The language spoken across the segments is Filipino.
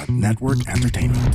Network Entertainment.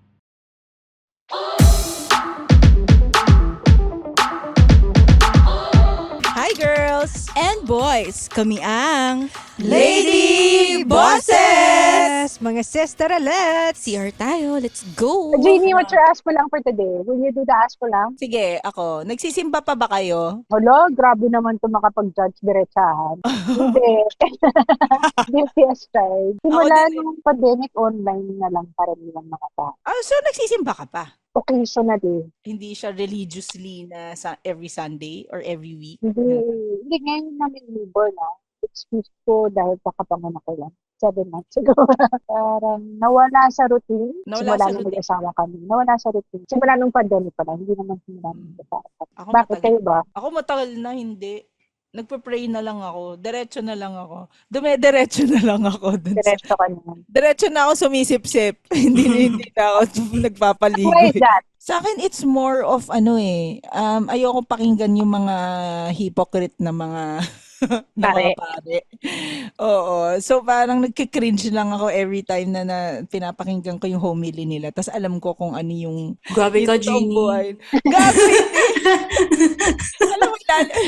Hi girls And boys, kami ang Lady Bosses! Mga sister let's CR tayo, let's go! Jeannie, what's your ask ko lang for today? Will you do the ask ko lang? Sige, ako. Nagsisimba pa ba kayo? Hello, grabe naman ito makapag-judge diretsahan. Hindi. Guilty as charged. Simula din. nung pandemic, online na lang para nilang mga tao. So nagsisimba ka pa? Occasionally. Hindi siya religiously na every Sunday or every week? Hindi ngayon namin newborn na. Excuse ko dahil kakapanganak ko lang. 7 months ago. Parang nawala sa routine. Nawala Simula sa nung routine. mag-asawa kami. Nawala sa routine. Simula nung pandemic pala. Hindi naman simula nung mag-asawa. Ako Bakit matagal. kayo ba? Ako matagal na hindi. Nagpe-pray na lang ako. Diretso na lang ako. Dume-diretso na lang ako. Diretso ka naman. Diretso na ako sumisip-sip. hindi na ako Why is nagpapaligoy. that? Sa akin, it's more of ayoko pakinggan yung mga hypocrite na mga na mga pare. Oo. So, parang nagkikringe lang ako every time na pinapakinggan ko yung homily nila. Tapos alam ko kung ano yung Grabe ka, yung totoong Jeannie. buhay. Gago, hindi. Alam mo,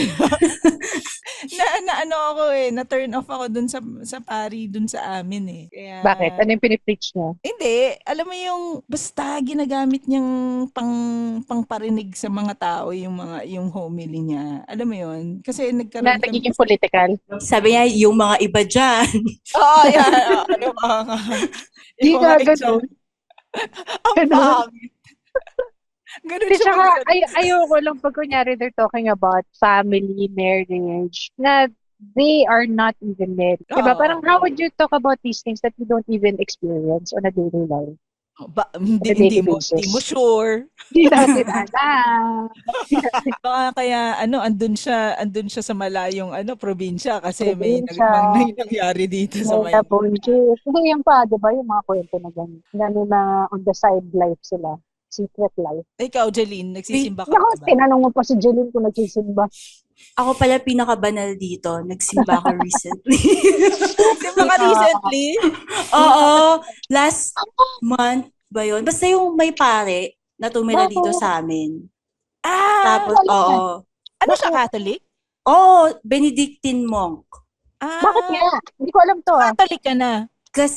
na ano ako na turn off ako dun sa pari dun sa amin eh. Kaya, Bakit? Ano yung pinipreach niya? hindi, alam mo yung basta ginagamit niyang pangparinig sa mga tao yung homily niya. Alam mo yun? Kasi Na nagkaroon nagiging political? Sabi niya, yung mga iba dyan. Oo, yan. Ano mga Di yung ka mga ganun. Ang Ganun. pangit. Ganun Kasi siya saka, magsalita. ayoko lang pag kunyari they're talking about family, marriage, na they are not even married. Diba? Oo. Parang how would you talk about these things that you don't even experience on a daily life? Hindi, On a daily hindi basis. mo sure. Hindi natin alam. Baka kaya andun siya sa malayong probinsya kasi may Probinsya. nangyari dito sa May Maynila. bunches. Hindi yan pa, di ba? Yung mga kwento na gano'n. Na may mga on the side life sila. Secret life. Ikaw, Jeline, nagsisimba ka Naku, pa ba? tinanong mo pa si Jeline kung nagsisimba. Ako pala pinakabanal dito. Nagsimba ako recently. Nagsimba ka recently? Oo. Last month ba yun? Basta yung may pare na tumira dito sa amin. Tapos, oo. Ano siya, Catholic? Oo, Benedictine monk. Bakit nga? Hindi ko alam to ah. Catholic ka na. Kasi,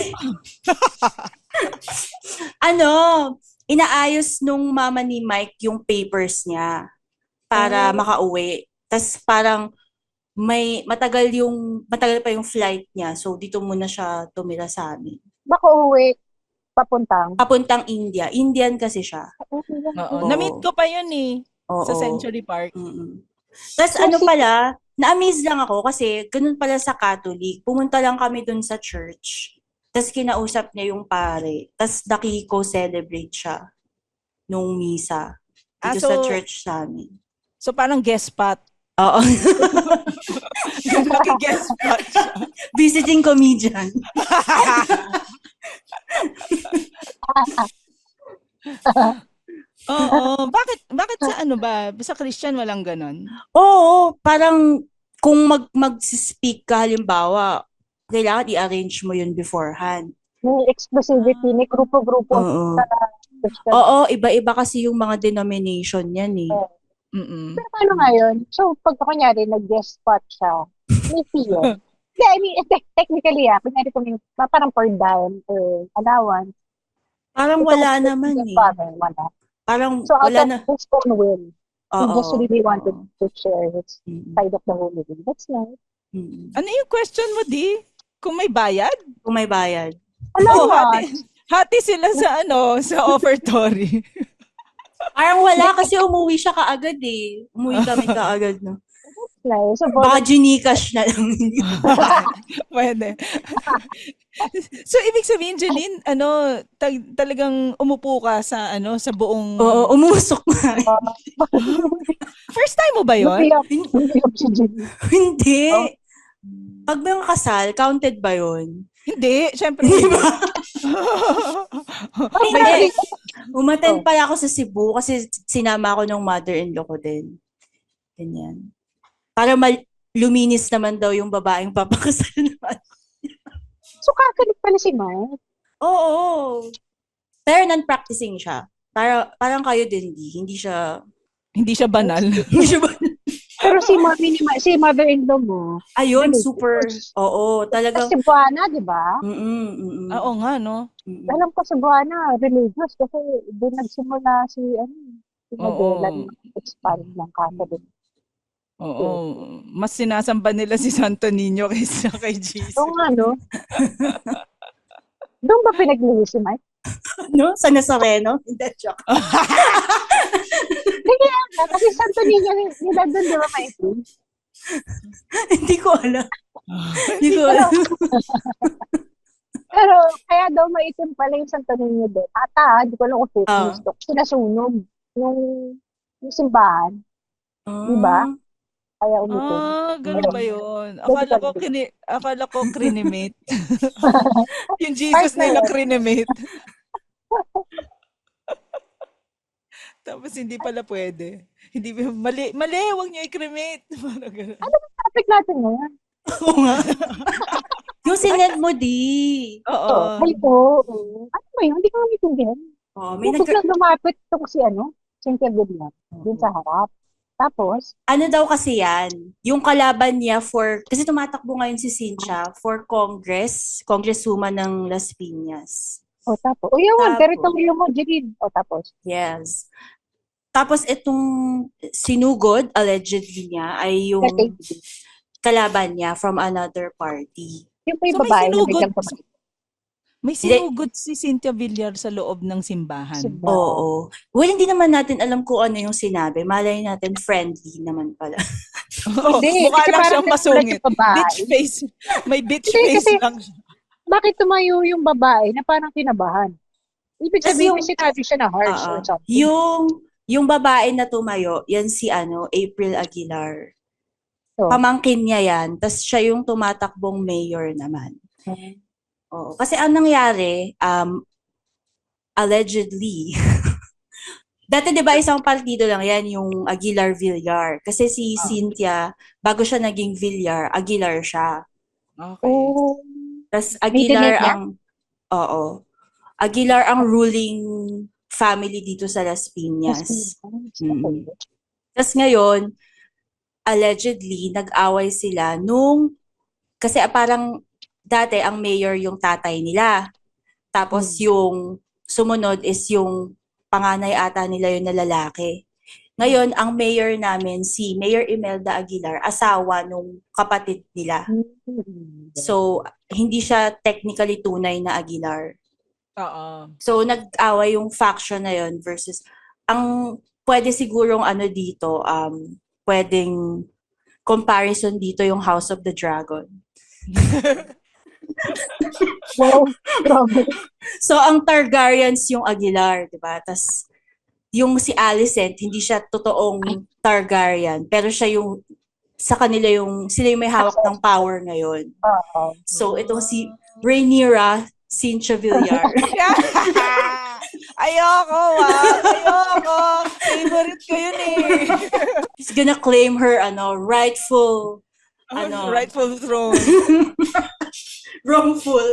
inaayos nung mama ni Mike yung papers niya para makauwi. Tapos parang matagal pa yung flight niya. So dito muna siya tumira sa amin. Baka uwi, papuntang. Papuntang India. Indian kasi siya. Oo. Oo. Na-meet ko pa yun sa Oo. Century Park. Tapos na-amaze lang ako kasi ganun pala sa Catholic. Pumunta lang kami dun sa church. Tapos kinausap niya yung pare. Tapos nakiko-celebrate siya nung misa dito sa church sa amin. So parang guest spot. Oo. Naki-guest spot siya. Visiting comedian. Oo. Bakit sa sa Christian walang ganon? Oo, parang kung mag-speak ka halimbawa, kailangan i-arrange mo yun beforehand. May exclusivity, may grupo-grupo. Oo. Sa Christian. Oo, iba-iba kasi yung mga denomination yan eh. Mm-mm. Pero paano nga yun? So, pag kunyari, nag-guest spot siya, may fee yun. Hindi, I mean, technically, kunyari kung yung parang per dime or allowance. Parang wala naman eh. Wala. Parang So, out wala of na. his own will, he Oo. just really wanted to share his Mm. side of the whole living. That's nice. Mm. Ano yung question mo, Di? Kung may bayad? Kung may bayad. Oo, Allowance. hati sila sa offertory. Parang wala kasi umuwi siya kaagad eh. Umuwi kami kaagad no. That's nice. So, Baka Gcash na lang. Pwede. So, ibig sabihin, Jeline, talagang umupo ka sa buong... Oo, umusok nga. First time mo ba yun? Lumiyap si Jimmy. Hindi. Pag may kasal, counted ba yun? Hindi, syempre hindi. Hindi. Umattend pala ako sa Cebu kasi sinama ako ng mother-in-law ko din. Ganyan. Para luminis naman daw yung babaeng papakasal naman. So, kakalit pala si Mike. Oo. Pero non-practicing siya. Parang kayo din, hindi siya, Hindi siya banal. hindi siya ba? Pero si mother-in-law mo, Ayun, super, religious. oo, Sa talagang, Cebuana, di ba? Oo nga, no? mm. Alam ko Cebuana, religious kasi doon nagsimula si Madela Oo. na expand ng Catholic. Oo. Mas sinasamba nila si Santo Niño kaysa kay So Jesus. nga, no? Doon ba pinaglili si Mike? No? Sa Nazareno? Hindi, joke. Hindi kaya nga, kasi Santo Niño nila doon, di ba, Mike? Hindi ko alam. Hindi ko Pero, alam. pero kaya daw maitim pala yung Santo Niño doon. Hindi ko alam kung fake news to. Sinasunog yung simbahan, di ba? Kaya umitim. Ganun ba yun? Akala ko crinimate. Yung Part Jesus na nila yun. crinimate. Tapos hindi pala pwede. Hindi mali, wag niyo i-cremate. Parang ganun. Ano ba topic natin ngayon? Oo nga. Yung sinend mo, di. Oo. Ay, oo. Ano ba yun? Hindi ko maintindihan. Oh, may Yung biglang lumapit itong Cynthia Villar, dun sa harap. Tapos, ano daw kasi yan, yung kalaban niya kasi tumatakbo ngayon si Cynthia for Congresswoman ng Las Piñas. tapos, yun, Tapos, teritoryo mo, Jirid. Tapos, yes. Tapos itong sinugod, allegedly niya, ay yung kalaban niya from another party. yung pa yung babae na biglang tumakbo. May sinugod si Cynthia Villar sa loob ng simbahan. Oo. Well, hindi naman natin alam kung ano yung sinabi. Malay natin friendly naman pala. Mukha lang siyang masungit. Bitch face. May bitch face lang siya. Bakit tumayo yung babae na parang kinabahan? Ibig sabihin, may sinabi siya na harsh or something. Yung babae na tumayo, yan si April Aguilar. So, Pamangkin niya yan. Tapos siya yung tumatakbong mayor naman. Oo. Kasi ang nangyari, allegedly, dati 'di ba isang partido lang yan, yung Aguilar Villar. Kasi si Cynthia, bago siya naging Villar, Aguilar siya. Okay. Tapos Aguilar Aguilar ang ruling family dito sa Las Piñas. Tapos ngayon, allegedly, nag-away sila kasi parang dati ang mayor yung tatay nila. Tapos yung sumunod is yung panganay ata nila yung na lalaki. Ngayon, ang mayor namin, si Mayor Imelda Aguilar, asawa nung kapatid nila. So, hindi siya technically tunay na Aguilar. So, nag-away yung faction na yun versus, ang pwede sigurong dito, pwedeng comparison dito yung House of the Dragon. Wow, grabe. So, ang Targaryens yung Aguilar, di ba? Tas yung si Alicent, hindi siya totoong Targaryen, pero siya yung, sila yung may hawak ng power ngayon. So, itong si Rhaenyra Cynthia Villar. Ayoko. Favorite ko yun eh. She's gonna claim her, rightful throne. Wrongful.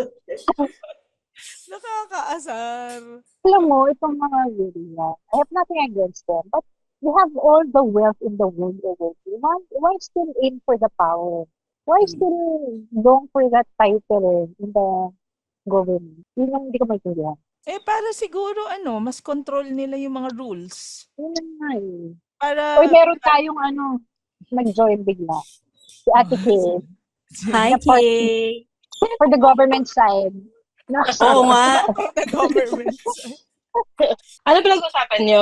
Nakakaasar. Alam mo, itong mga Villar, I have nothing against them, but you have all the wealth in the world already. Why still aim for the power? Why still going for that title in the government? Yun yung hindi ko maintindihan. Para siguro, mas control nila yung mga rules. Yun nga eh. Para... meron tayong nag-join bigla. Si Ate Kay. Hi, Kay. For the government side. Oo nga. The government side. Ano pinag-usapan nyo?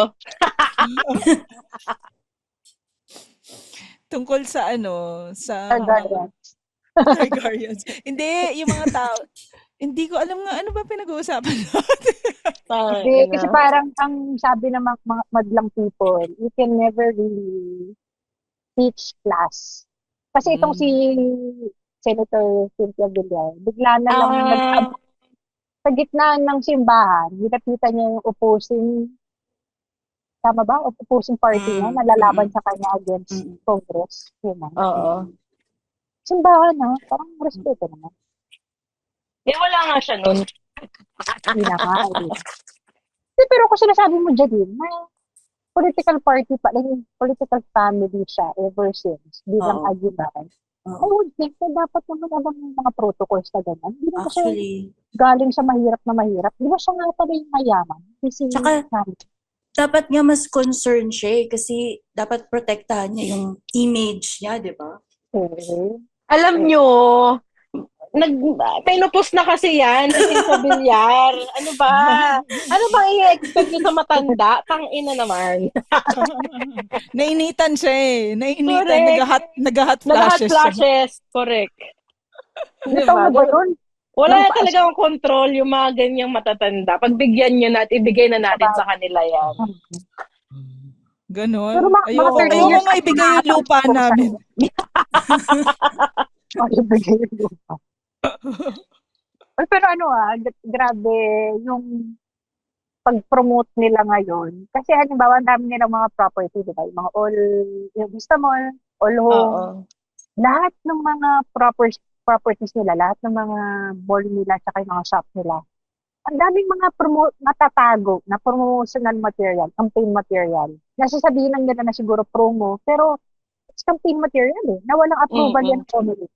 Tungkol sa sa Targaryens. Hindi, yung mga tao. Hindi ko alam nga ano ba pinag-uusapan natin. Hindi, kasi parang ang sabi ng mga madlang people, you can never really teach class. Kasi itong si Senator Cynthia Villar, bigla na lang sa gitna ng simbahan, nilapitan niya yung opposing, tama ba? Opposing party niya, nalalaban sa kanya against Congress. Yun na. Oo. Simbahan parang respeto naman. Wala nga siya nun. Hindi na nga. Pero kung sinasabi mo dyan din, na political party pa, like, political family siya ever since, bilang Oo. agiban. I Oo. would think na dapat naman alam yung mga protocols na ganyan. Hindi naman siya Actually, galing sa mahirap na mahirap. Di ba siya nga pala yung mayaman? Kasi tsaka dapat nga mas concerned siya kasi dapat protektahan niya yung image niya, di ba? Alam nyo, pinupos na kasi yan si Cynthia Villar. Ano ba? Ano bang i-expect nyo sa matanda? Tang-ina naman. Nainitan siya eh. Nainitan. Correct. Nag-hot Nag-hot flashes siya. flashes. Correct. Ito mo ba yun? Wala na talagang control yung mga ganyang matatanda. Pagbigyan nyo na at ibigay na natin sa kanila yan. Ganon. Pero Ayoko 30 years nga ibigay yung lupa namin. Ibigay yung lupa. Pero grabe yung pag-promote nila ngayon. Kasi halimbawa, ang dami nilang mga property, di ba? Yung mga yung Vista Mall, all home. Oo. Lahat ng mga properties nila, lahat ng mga mall nila, tsaka yung mga shop nila. Ang daming mga natatago na promotional material, campaign material. Nasasabihin lang nila na siguro promo, pero it's campaign material eh, na walang approval yan ng community.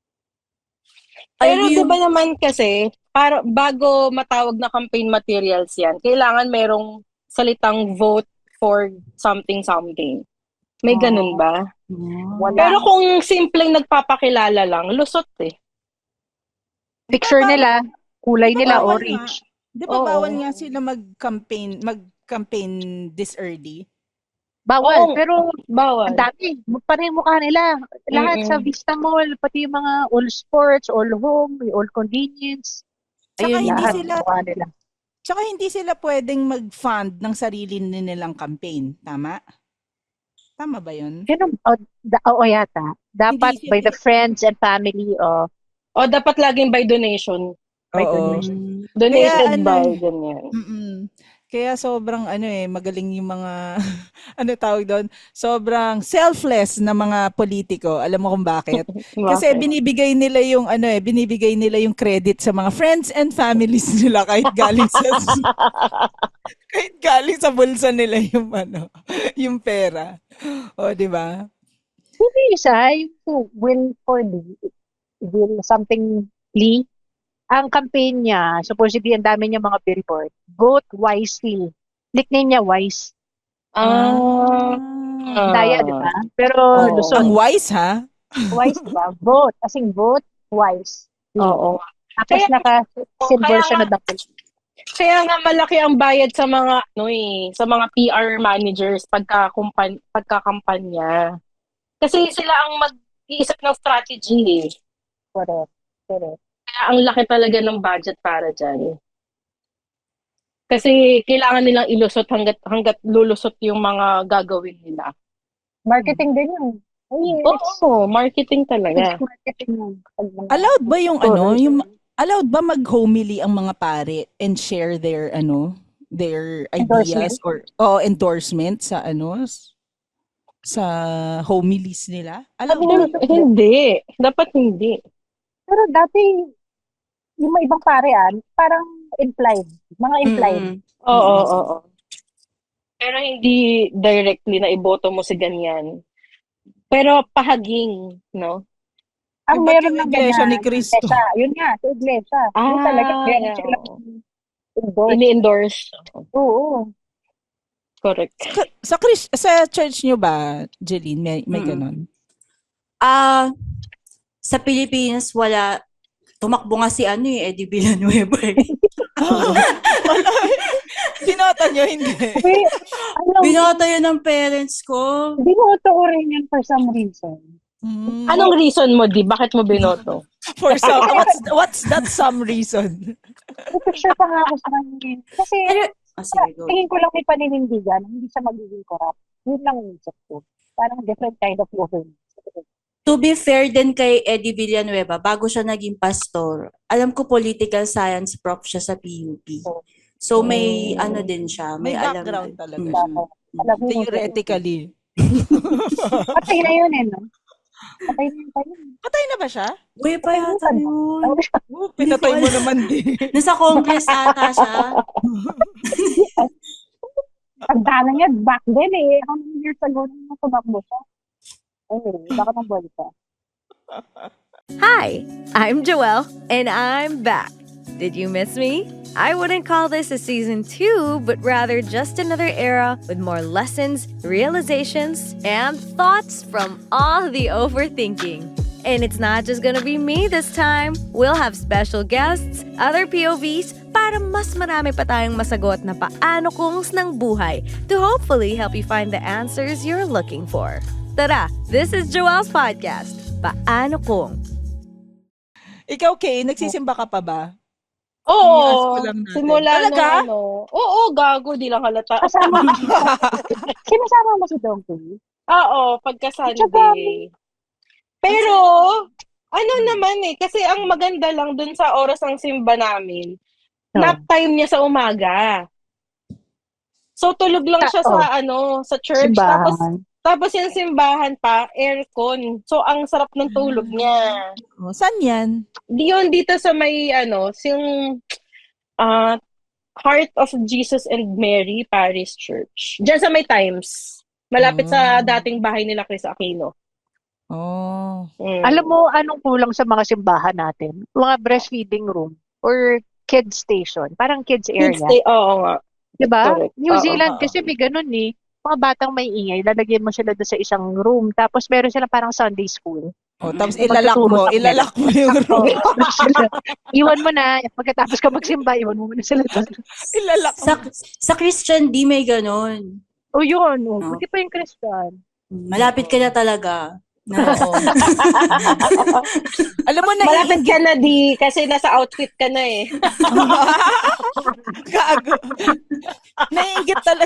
Pero di ba naman kasi, para bago matawag na campaign materials yan, kailangan merong salitang vote for something. May ganun ba? Wala. Pero kung simpleng nagpapakilala lang, lusot eh. Picture nila, kulay nila Bawal orange. Di ba Oo. bawal nga sila mag-campaign this early? Bawal, Oo. pero Bawal. ang dami. Parang yung mukha nila. Lahat sa Vista Mall, pati yung mga all sports, all home, all convenience. Tsaka Ayun, hindi lahat sila mukha nila. Tsaka hindi sila pwedeng mag-fund ng sarili nilang campaign, tama? Tama ba 'yun? Oo yata. Dapat Hindi by sila- the friends and family of O dapat laging by donation. by Oo. donation. Donated Kaya, by, ganyan. Kaya sobrang magaling yung mga tawag doon? Sobrang selfless na mga politiko. Alam mo kung bakit? Kasi Bakit? binibigay nila yung credit sa mga friends and families nila kahit galing sa bulsa nila yung pera. O, di ba? Yung isa, yung will something Lee, ang campaign niya, supposedly ang dami niya mga billboard. Vote wisely. Nickname niya Wise. Daya, di ba? Pero Oo. Luzon. Ang wise, ha? Wise, diba? Vote. As in, vote, wise. Oo. Tapos Kaya- naka-silver kaya siya na nga- dakil. Kaya nga malaki ang bayad sa mga sa mga PR managers pagkakampanya. Kasi sila ang mag-iisip ng strategy eh. Correct. Kaya ang laki talaga ng budget para dyan. Kasi kailangan nilang ilusot hanggat lulusot yung mga gagawin nila. Marketing din yun. Oo, marketing talaga. Marketing yun. Allowed ba allowed ba mag-homily ang mga pare and share their ideas or endorsement sa sa homilies nila? Allowed ba? Hindi. Dapat hindi. Pero dati, yung mga ibang parean, parang implied. Mga implied. Oo. Pero hindi directly na iboto mo si ganyan. Pero pahaging, no? Ang Ba't meron yung ng Iglesia ganyan, ni Cristo? Iglesia. Yun nga, sa iglesia. Yun talaga, meron yeah. silang endorse. Ini-endorse. Oo. Correct. Sa church nyo ba, Jeline, may ganon? Sa Pilipinas, wala. Tumakbo nga si Eddie Villanueva eh. Binoto nyo, hindi. Binoto yun ng parents ko. Binoto ko rin yan for some reason. Anong reason mo, Di? Bakit mo binoto? For some, what's that some reason? Picture pa nga ako sa kanya. Kasi, Sige, go. tingin ko lang may paninindigan, hindi siya magiging corrupt. Yun lang yung isip ko. Parang different kind of government. To be fair din kay Eddie Villanueva, bago siya naging pastor, alam ko political science prof siya sa PUP. So may din siya, May alam background din. talaga siya. Alam mo, Theoretically. patay na yun no? Patay na yung tayo. Patay na ba siya? Uy, pa yata yun. Pinatay mo naman din. Nasa Congress ata siya. Tanda na niya, back then eh. How many years ago na tumakbo siya? Anyway, baka ng bolsa. Hi, I'm Joelle, and I'm back. Did you miss me? I wouldn't call this a season 2, but rather just another era with more lessons, realizations, and thoughts from all the overthinking. And it's not just gonna be me this time. We'll have special guests, other POVs, para mas marami pa tayong masagot na paano kungs ng buhay to hopefully help you find the answers you're looking for. Tara, this is Joelle's podcast, Paano Kung. Ikaw, Kay, nagsisimba ka pa ba? Oo, Ask ko lang natin. simula Talaga? nung ano. Oo, gago, di lang halata. Kasama mo. Sinasama mo si Donkey? Oo, pagka Sunday. Pero, ano naman eh, kasi ang maganda lang dun sa oras ng simba namin, nap time niya sa umaga. So, tulog lang siya sa sa church. Tapos yung simbahan pa, aircon. So, ang sarap ng tulog niya. Oh, saan yan? Yun, dito sa may, yung Heart of Jesus and Mary Parish Church. Diyan sa may Times. Malapit sa dating bahay nila Chris Aquino. Oh. Alam mo, anong kulang sa mga simbahan natin? Mga breastfeeding room or kids station. Parang kids area. Oo nga. Diba? Correct. New Zealand kasi may ganun eh. Mga batang may ingay, lalagyan mo sila doon sa isang room. Tapos meron sila parang Sunday school. Oh, tapos ilalak mo yung room. Iwan mo na, pagkatapos ka magsimba, iwan mo na sila doon. Ilalak mo. Sa Christian, di may ganon. O yun, buti pa yung Christian. Malapit ka na talaga. Oo. Alam mo na, Malapit ka na kasi nasa outfit ka na eh. Gago. Naiingit talaga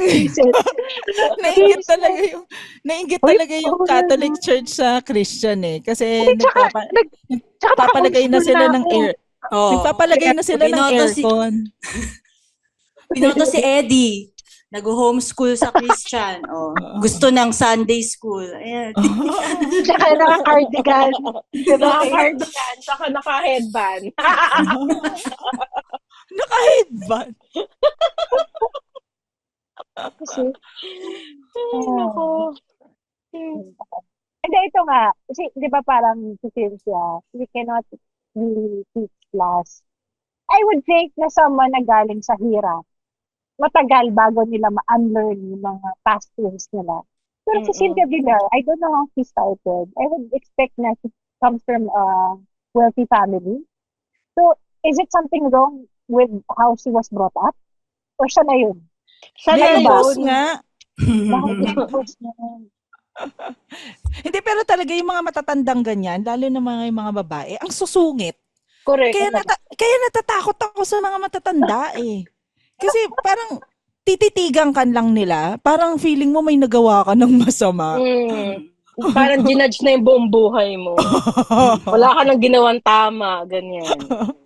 yung Catholic Church sa Christian eh. Kasi nagpapalagay na sila ng air. Nagpapalagay na sila ng aircon. Pinoto si Eddie. Nag-homeschool sa Christian. Gusto ng Sunday school. Ayan. Tsaka naka-cardigan. Naka-cardigan, saka naka-headband. Naka-headband. Kasi, Nako. Hindi, ito nga. Kasi, di ba parang si Cynthia, we cannot really teach class. I would think na someone na galing sa hirap, matagal bago nila ma-unlearn yung mga past things nila. Pero si Cynthia Villar, I don't know how she started. I would expect na she comes from a wealthy family. So, is it something wrong with how she was brought up? Or siya na yun? Siya na Nervous yun. nga. Bakit nervous na yun? Hindi, pero talaga yung mga matatandang ganyan, lalo na yung mga babae, ang susungit. Correct. Kaya natatakot ako sa mga matatanda eh. Kasi parang tititigan ka lang nila, parang feeling mo may nagawa ka ng masama. Parang ginudge na yung buong buhay mo. Wala ka nang ginawang tama, ganyan.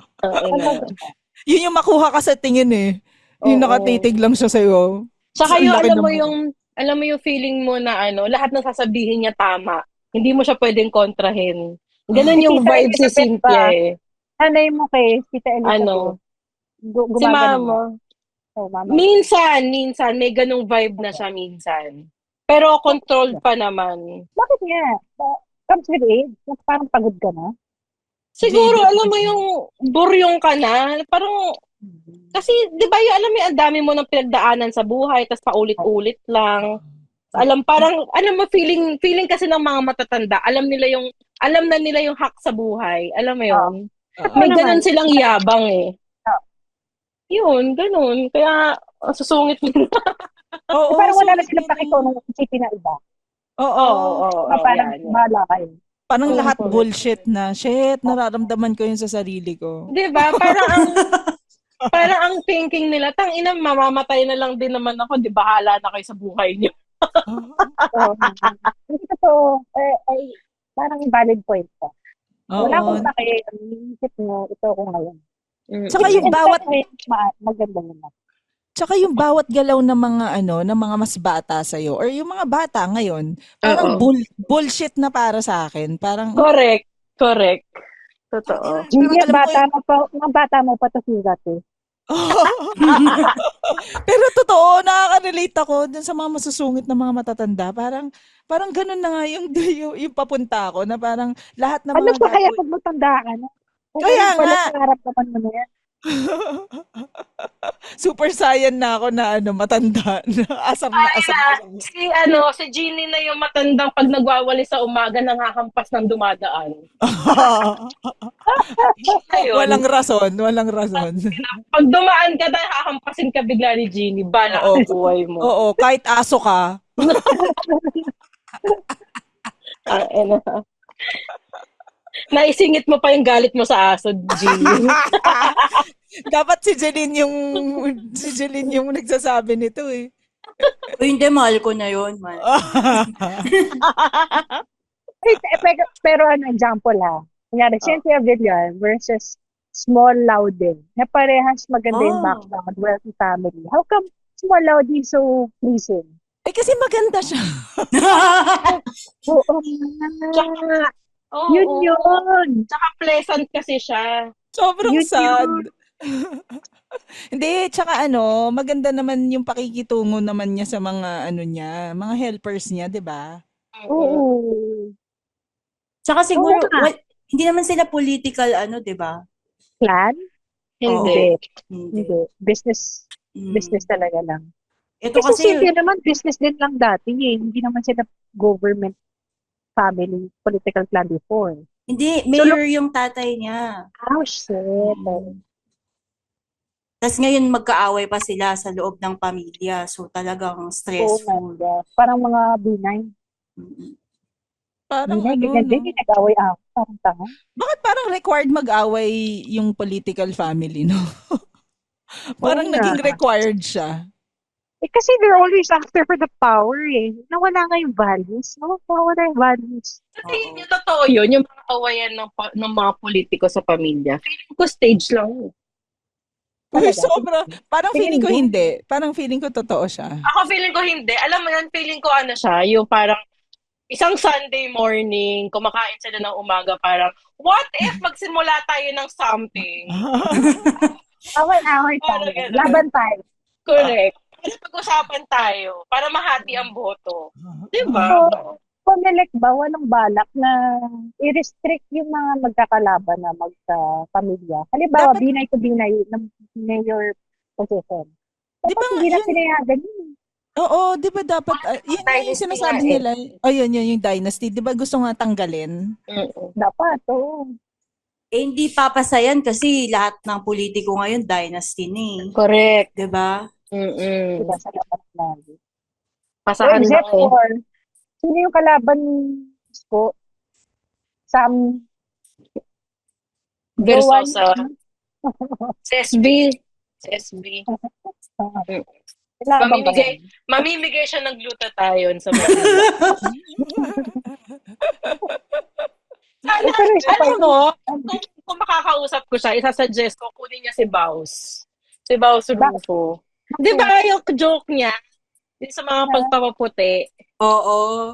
Yun yung makuha ka sa tingin eh. Yung nakatitig lang siya sa'yo. Saka yung alam mo yung feeling mo na lahat ng sasabihin niya tama. Hindi mo siya pwedeng kontrahin. Ganun yung vibe si Cynthia eh. Nanay mo kay Tita Elizabeth. Si Mama. Mama. Minsan, may ganung vibe na siya minsan. Pero controlled pa naman. Bakit nga? Comes with age? Parang pagod ka na? Siguro, alam mo yung buryong ka na. Parang, kasi, di ba alam mo, ang dami mo ng pinagdaanan sa buhay, tas paulit-ulit lang. Parang, feeling kasi ng mga matatanda, alam na nila yung hack sa buhay. Alam mo yun? May ganun silang yabang eh. Yun, ganun. Kaya, susungit nila. Oo, parang wala na silang pakito ng isipin na iba. Oo. Parang bahala kayo. Parang lahat bullshit na. Shit, nararamdaman ko yun sa sarili ko. Diba? Parang ang thinking nila, tangina, mamamatay na lang din naman ako, di bahala na kayo sa buhay niyo. Ito, parang valid point ko. Wala akong pake, ang isip mo, ito ako ngayon. Tsaka yung bawat... Maganda naman. Tsaka yung bawat galaw ng mga ng mga mas bata sa or yung mga bata ngayon, parang Oo. bullshit na para sa akin. Parang Correct. Correct. ang Totoo. ina, parang Juliet, alam ko mga bata mo pa to sigat eh. pero totoo, nakaka-relate ako dun sa mga masusungit na mga matatanda. Parang ganun na nga yung papunta ako na parang lahat ng Ano mga pa kaya gagawin. pag matanda ka na? Kaya Ngayon pala nga, pangarap naman mo na yan. super saiyan na ako na matanda. Asar na asar na. Si Jeannie na yung matandang pag nagwawali sa umaga nanghahampas ng dumadaan. Ayun. Walang rason, walang rason. Pag dumaan ka na, hahampasin ka bigla ni Jeannie. Bala Oo. ang buhay mo. Oo, kahit aso ka. Naisingit mo pa yung galit mo sa aso, Jeannie. Dapat si Jeline yung nagsasabi nito eh. O hindi, mahal ko na yun. Mahal. Pero example ha. Kunyari, Cynthia Villar versus Small Loudon. Na parehas maganda yung background, wealthy family. How come Small Loudon so pleasing? Eh kasi maganda siya. Oo nga. Yun. Tsaka pleasant kasi siya. Sobrang Yun sad. yun. Hindi, tsaka maganda naman yung pakikitungo naman niya sa mga niya, mga helpers niya, 'di ba? Oo. Tsaka siguro, Oo nga. hindi naman sila political, di ba? Plan? Hindi. Hindi. Business talaga lang. Ito Kasi kasi, Cynthia naman, business din lang dati eh. Hindi naman sila government family political plan before. hindi, mayor yung tatay niya. Oh, shit. Tapos ngayon magkaaway pa sila sa loob ng pamilya. So talagang Oh my stressful. God. Parang mga B9. Parang B9, ganyan din. Nag-away ako. Parang tanga. bakit parang required mag-away yung political family, no? Parang Oo nga. naging required siya. Kasi they're always after for the power eh. Nawala nga yung values. Nawala yung values. Kasi yun yung totoo yun, yung mga awayan ng mga politiko sa pamilya. Feeling ko stage lang. Uy, sobra. Parang feeling Tingin ko mo? hindi. Parang feeling ko totoo siya. Ako feeling ko hindi. Alam mo yan, feeling ko siya, yung parang isang Sunday morning, kumakain sila ng umaga, parang, what if magsimula tayo ng something? Away tayo. Parang ganun. Laban tayo. Correct. Para pag-usapan tayo, para mahati ang boto. Diba? So, Comelec ba, walang balak na i-restrict yung mga magkakalaban na magka-pamilya? Halimbawa, Dapat- binay to binay ng mayor position. Di Dapat ba hindi na yun- pinayagan yun. Oo, di ba dapat, yun nga yung Dynasty sinasabi nga eh. nila. Yun yung dynasty. Di ba gusto nga tanggalin? Dapat, oo. Hindi papasayan kasi lahat ng politiko ngayon dynasty na eh. Correct. Diba? Diba sa laban lagi. Pasahan lang Except eh. for, sino yung kalaban ko? Sam Versosa. Si SB. Kalaban ba Mamimigay, yan? mamimigay siya ng glutathione sa Manila. Pero isa pa Alam mo, kung makakausap ko siya, isasuggest ko, kunin niya si Baus. Si Baus Rufo. Di ba yung joke niya? Yung sa mga pagpapaputi. Oo.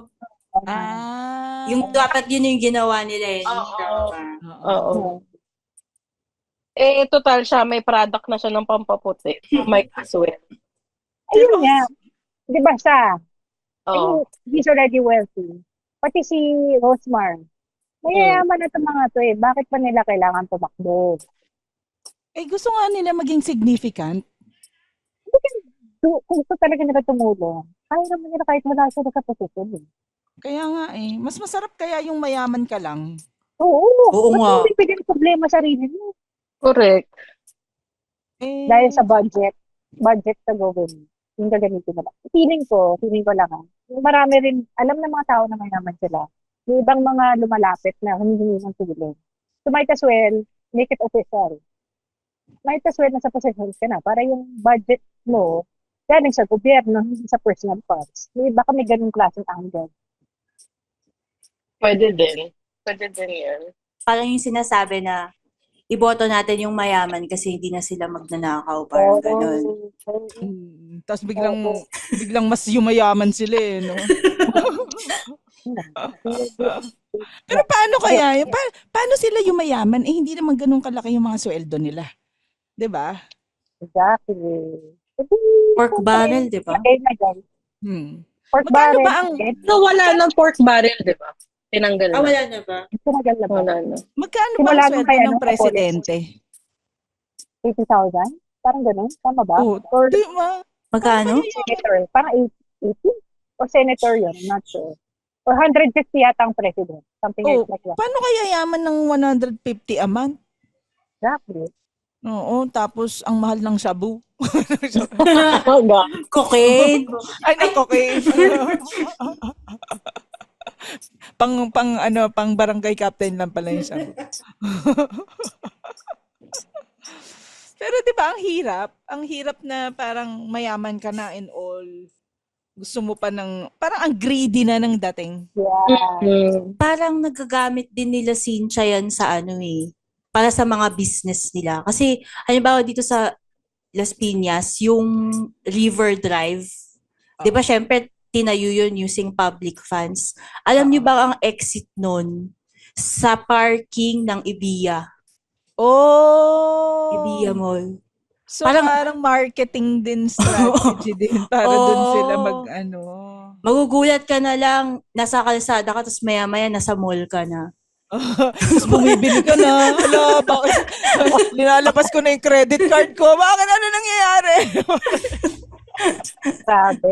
Yung Dapat yun yung ginawa nila eh. Oo. Eh, total siya, may product na siya ng pampaputi. Might as well. Ayun nga. Di ba siya? Oo. He's already wealthy. Pati si Rosmar. Mayayaman na itong mga to eh. Bakit pa nila kailangan tumakbo? gusto nga nila maging significant. Kung gusto talaga nila tumulong, kaya naman nila kahit wala sila sa posisyon eh. Kaya nga eh. Mas masarap kaya yung mayaman ka lang. Oo. Oo Ba't nga. hindi bigyan ng problema sa sarili mo? Correct. Dahil sa budget sa government. Yung gagamitin nila. Feeling ko lang marami rin, alam ng mga tao na mayaman sila. Yung ibang mga lumalapit na humihingi ng tulong. So might as well, make it official. Might as well nasa posisyon ka na para yung budget mo galing sa gobyerno, hindi sa personal funds. Baka may ganung klaseng angle. Pwede din. Pwede din yan. Parang yung sinasabi na iboto natin yung mayaman kasi hindi na sila magnanakaw, parang ganun. Tapos biglang mas yumayaman sila no? Pero paano kaya? Paano sila yumayaman? Hindi naman ganun kalaki yung mga sweldo nila. 'Di ba? Exactly. Pork barrel, di ba? Lagay na dyan. Pork Magkano barrel. ba ang So, wala ng pork barrel, di ba? Tinanggal na. wala na ba? Tinagal na ba? Wala na. magkano ba Simula ang nung sweldo kaya ng nung presidente? 80,000? Parang ganun. Tama ba? Oh, Or di ba? Magkano? senator. Parang 80? O senator yun. I'm not sure. Or 150 yata ang president. Something Oh, like that. paano kaya yaman ng 150 a month? Exactly. Oo, tapos ang mahal ng shabu. Cocaine. Ay, okay. pang barangay captain lang pala yung shabu. Pero 'di ba ang hirap na parang mayaman ka na and all. Gusto mo pa ng parang ang greedy na ng dating. Yeah. Parang nagagamit din nila Cynthia yan sa para sa mga business nila. Kasi, halimbawa dito sa Las Piñas, yung River Drive, di ba syempre, tinayo yun using public funds. Alam niyo ba ang exit nun? Sa parking ng Ibiya. Oh! Ibiya Mall. So parang marketing din strategy din para dun sila Magugulat ka na lang, nasa kalsada ka, tapos maya-maya nasa mall ka na. Tapos bumibili ka na. Hala, bakit? Nilalabas ko na yung credit card ko. Bakit ano nangyayari? Sabi.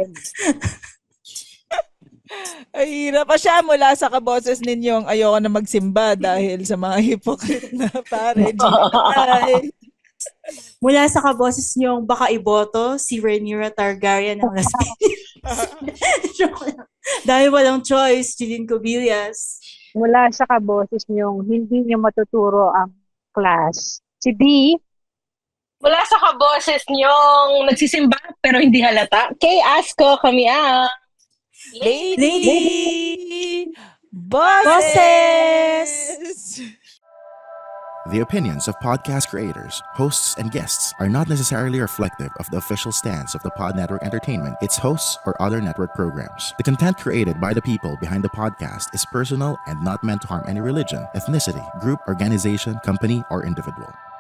Ay, hirap pa siya mula sa kaboses ninyong ayoko na magsimba dahil sa mga hypocrite na pare. Ay. Mula sa kaboses niyong baka iboto si Rhaenyra Targaryen ng Las Piñas. Joke lang. Dahil walang choice, Jeline Cobillas. Mula sa kaboses niyong hindi niyo matuturo ang class. Si B, Mula sa kaboses niyong nagsisimba pero hindi halata. Kay Asko, kami ang Lady Bosses! The opinions of podcast creators, hosts, and guests are not necessarily reflective of the official stance of the Pod Network Entertainment, its hosts, or other network programs. The content created by the people behind the podcast is personal and not meant to harm any religion, ethnicity, group, organization, company, or individual.